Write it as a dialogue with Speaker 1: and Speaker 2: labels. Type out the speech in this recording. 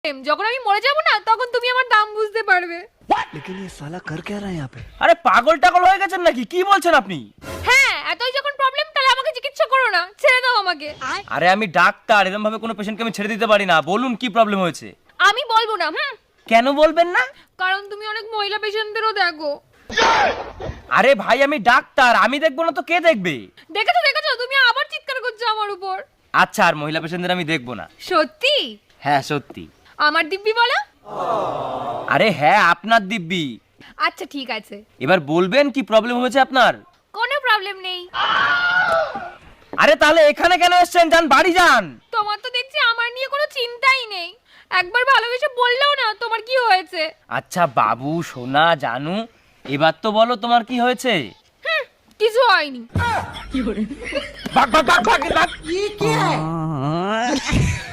Speaker 1: যখন আমি মরে যাব না তখন তুমি আমার দাম বুঝতে পারবে।
Speaker 2: लेकिन ये साला कर क्या रहा है यहाँ पे?
Speaker 3: আরে পাগল টাগল হয়ে গেছেন নাকি? কি বলছেন আপনি?
Speaker 1: হ্যাঁ, এতই যখন প্রবলেম তাহলে আমাকে চিকিৎসা করো না, ছেড়ে দাও আমাকে।
Speaker 3: আরে আমি ডাক্তার, এরকম ভাবে কোনো পেশেন্টকে আমি ছেড়ে দিতে পারি না। বলুন কি প্রবলেম হয়েছে?
Speaker 1: আমি বলবো না।
Speaker 3: কেন বলবেন না?
Speaker 1: কারণ তুমি অনেক মহিলা পেশেন্টদেরও দেখো।
Speaker 3: আরে ভাই আমি ডাক্তার, আমি দেখবো না তো কে দেখবে?
Speaker 1: দেখেছো তুমি আবার চিৎকার করছো আমার উপর।
Speaker 3: আচ্ছা, আর মহিলা পেশেন্টদের আমি দেখবো না।
Speaker 1: সত্যি?
Speaker 3: হ্যাঁ সত্যি।
Speaker 1: আমার দিব্যি বলো।
Speaker 3: আরে হ্যাঁ, আপনার দিব্যি।
Speaker 1: আচ্ছা ঠিক আছে,
Speaker 3: এবার বলবেন কি প্রবলেম হয়েছে আপনার?
Speaker 1: কোনো প্রবলেম নেই।
Speaker 3: আরে তাহলে এখানে কেন এসেছেন? যান বাড়ি যান।
Speaker 1: তোমার তো দেখছি আমার নিয়ে কোনো চিন্তাই নেই। একবার ভালোবেসে বললেও না তোমার কি হয়েছে।
Speaker 3: আচ্ছা বাবু সোনা জানু, এবার তো বলো তোমার কি হয়েছে?
Speaker 1: কিছু হয়নি।
Speaker 3: ভাগ ভাগ ভাগ ভাগ ভাগ।